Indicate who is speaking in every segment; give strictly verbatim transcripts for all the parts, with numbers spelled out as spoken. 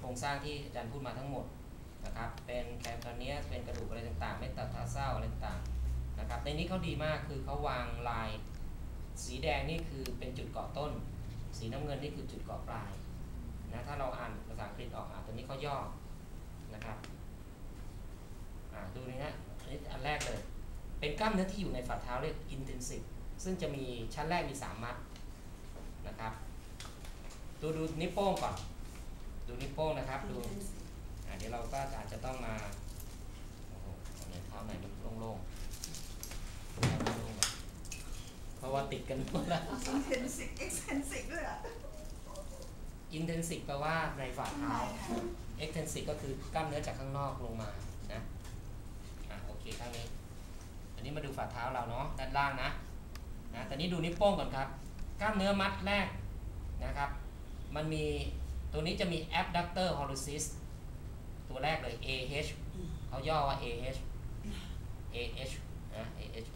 Speaker 1: รงสร้างที่อาจารย์พูดมาทั้งหมดนะครับเป็นแคลคาเนียสเป็นกระดูกอะไรต่างๆเมตาทาร์ซัลอะไรต่างๆนะครับในนี้เขาดีมากคือเขาวางลายสีแดงนี่คือเป็นจุดเกาะต้นสีน้ำเงินนี่คือจุดเกาะปลายนะถ้าเราอ่านภาษาอังกฤษออกอ่ะตัวนี้เขาย่อนะครับอ่าดูนี่นะอันนี้อันแรกเลยเป็นกล้ามเนื้อที่อยู่ในฝ่าเท้าเรียก intensive ซึ่งจะมีชั้นแรกมีสามมัดนะครับดูดูนิ้วโป้งก่อนดูนิ้วโป้งนะครับดูอ่าเดี๋ยวเราก็อาจจะต้องมาโอ้โหเนี่ยเท้าไหนมันโล่งๆเพราะว่าติดกันหมดแล้ว
Speaker 2: intensive extensive ด้วยอ่ะ
Speaker 1: intensive แปลว่าในฝ่าเท้า extensive ก็คือกล้ามเนื้อจากข้างนอกลงมานะอ่ะโอเคข้างนี้อันนี้มาดูฝ่าเท้าเราเนาะด้านล่างนะนะแต่นี้ดูนิ้วโป้งก่อนครับกล้ามเนื้อมัดแรกนะครับมันมีตัวนี้จะมี abductor hallucis ตัวแรกเลย A H เขาย่อว่า A H A H นะ A H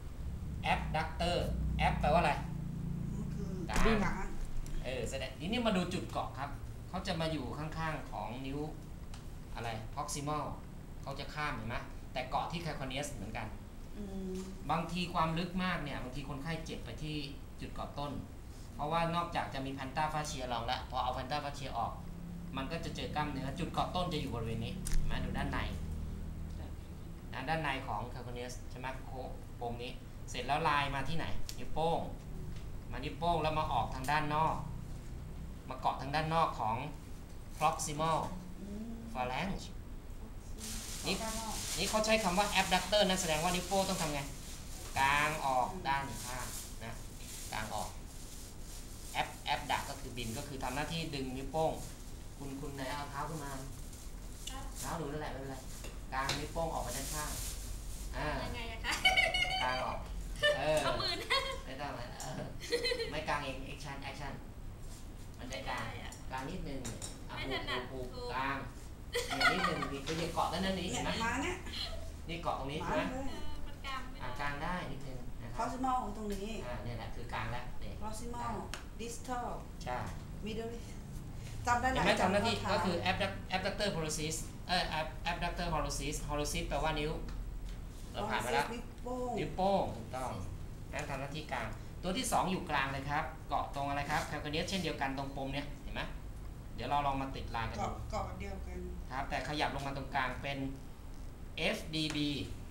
Speaker 1: abductor ab แปลว่าอะไรกลางเออแสดงทีนี้มาดูจุดเกาะครับเขาจะมาอยู่ข้างๆของนิ้วอะไร proximal เขาจะข้ามเห็นไหมแต่เกาะที่ calcaneus เหมือนกันบางทีความลึกมากเนี่ยบางทีคนไข้เจ็บไปที่จุดเกาะต้นเพราะว่านอกจากจะมีแพนต้าฟาเชียรองแล้วพอเอาแพนต้าฟาเชียออกมันก็จะเจอกล้ามเนื้อจุดเกาะต้นจะอยู่บริเวณนี้มาดูด้านในด้านในของ calcaneus ใช่ไหมโค้งปมนี้เสร็จแล้วลายมาที่ไหนนิ้วโป้งมานิ้วโป้งแล้วมาออกทางด้านนอกมาเกาะทางด้านนอกของ proximal phalanx นี่นี่เขาใช้คำว่า abductor นั่นแสดงว่านิ้วโป้งต้องทำไงกางออกด้านข้างนะกางออก ab abduct ก็คือบินก็คือทำหน้าที่ดึงนิ้วโป้งคุณคุณไหนเอาเท้าขึ้นมาเท้าหนูนั่นแหละไม่เป็นไรกางนิ้วโป้งออกไปด้านข้างอ่ายังไงอะคะกางออกเออเอามือนะไม่ต้องนะไม่กางเอง action action มันจะกางกางนิดนึงไม่ถนัดปูกางอย่างนิดนึงนี่คือเกาะด้านนี้เห็นไหมนี่เกาะตรงนี้ใช่ไหมมันกางไม่ได้กางได้นิดนึงนะครับ
Speaker 2: proximal ของตรงนี้
Speaker 1: อ่าเนี่ยแหละคือกางแล้วเนี่ย
Speaker 2: proximal distal
Speaker 1: ใช่
Speaker 2: middle จำได้ไหม
Speaker 1: เห็นไหมทำหน้าที่ก็คือ abductor hallucis เอ่อ abductor hallucis hallucis แปลว่านิ้วเราผ่านไปแล้วนิ้วโป้งถูกต้องนั่นทำหน้าที่กลางตัวที่สองอยู่กลางเลยครับเกาะตรงอะไรครับ calcaneus เช่นเดียวกันตรงปมเนี่ยเห็นไหมเดี๋ยวเราลองมาติดลายกันดู
Speaker 2: เกาะเดียวกัน
Speaker 1: ครับแต่ขยับลงมาตรงกลางเป็น F D B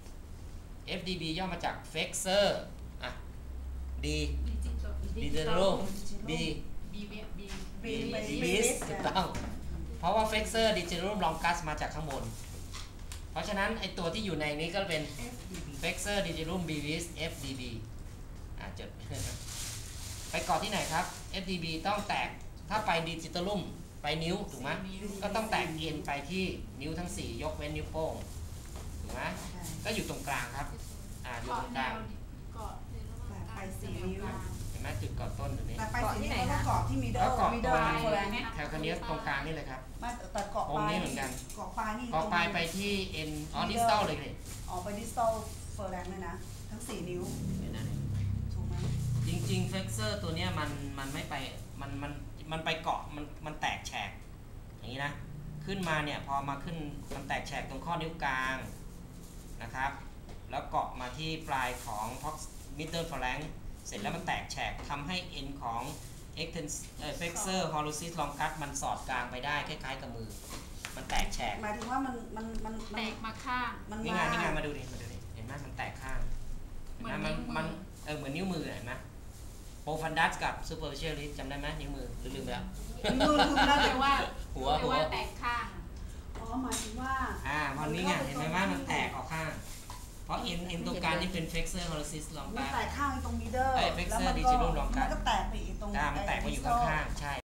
Speaker 1: F D B ย่อมาจาก flexor อ่ะ D digital B
Speaker 3: B B B
Speaker 1: B bis ถูกต้องเพราะว่า flexor digital longus มาจากข้างบนเพราะฉะนั้นไอตัวที่อยู่ในนี้ก็เป็น flexor digital bis F D B อ่ะจด ไปเกาะที่ไหนครับ F D B ต้องแตกถ้าไป digitalum ไปนิ้วถูกไหมก็ต้องแตกเอ็นไปที่นิ้วทั้งสี่ยกเว้นนิ้วโป้งถูกไหมก็อยู่ตรงกลางครับอ่าอยู่ตรงกลาง
Speaker 3: เกาะ
Speaker 2: ไปสี่นิ้ว
Speaker 1: เห็นไหมจุดเกาะต้นตรงนี้
Speaker 2: แต่ไปสี่นิ้วแล้วเกาะที่มีเดิลมีเดิล
Speaker 1: แคลคาเนียสตรงกลางนี่เลยครับ
Speaker 2: แต่เกาะปลาย
Speaker 1: นี่เหมือนกัน
Speaker 2: เกาะปลายนี่
Speaker 1: เกาะปลายไปที่เอ็นออดิสตอลเลยเลย
Speaker 2: อ๋อไปดิสตอลเฟอร์แรงเลยนะทั้งสี่นิ้วถูกไหม
Speaker 1: จริงๆเฟกเซอร์ตัวเนี้ยมันมันไม่ไปมันมันมันไปเกาะมันมันแตกแฉกอย่างนี้นะขึ้นมาเนี่ยพอมาขึ้นมันแตกแฉกตรงข้อนิ้วกลางนะครับแล้วเกาะมาที่ปลายของ middle phalanx เสร็จแล้วมันแตกแฉกทำให้เอ็นของ flexor hallucis longus มันสอดกลางไปได้คล้ายๆกับมือมันแตกแฉก
Speaker 2: หมายถึงว่ามันมันมัน
Speaker 3: แตกมาข้าง
Speaker 1: นี่ไงนี่ไงมาดูดิมาดูดิเห็นไหมมันแตกข้างมันมันเออเหมือนนิ้วมือเห็นไหมโปรฟันดัสกับซูเปอร์เชียลิสจำได้ไหมนิ้วมือลืมไปแล้ว
Speaker 2: มือลืมแล้ว
Speaker 3: แต่ว่า
Speaker 1: หัวหัว
Speaker 3: แตกข้าง
Speaker 2: อ๋อหมายถึงว่า
Speaker 1: อ่าพอนี้ไงเห็นไหมว่ามันแตกออกข้างเพราะเอ็นเอ็นตรงกลางนี่เป็น flexor hallucis longus
Speaker 2: มันแตกข้างตรงมิดเดิล
Speaker 1: ไอ้ flexor digital longus
Speaker 2: มันก็แตกไปอีกตรง
Speaker 1: มันแตกไปอยู่ข้างๆใช่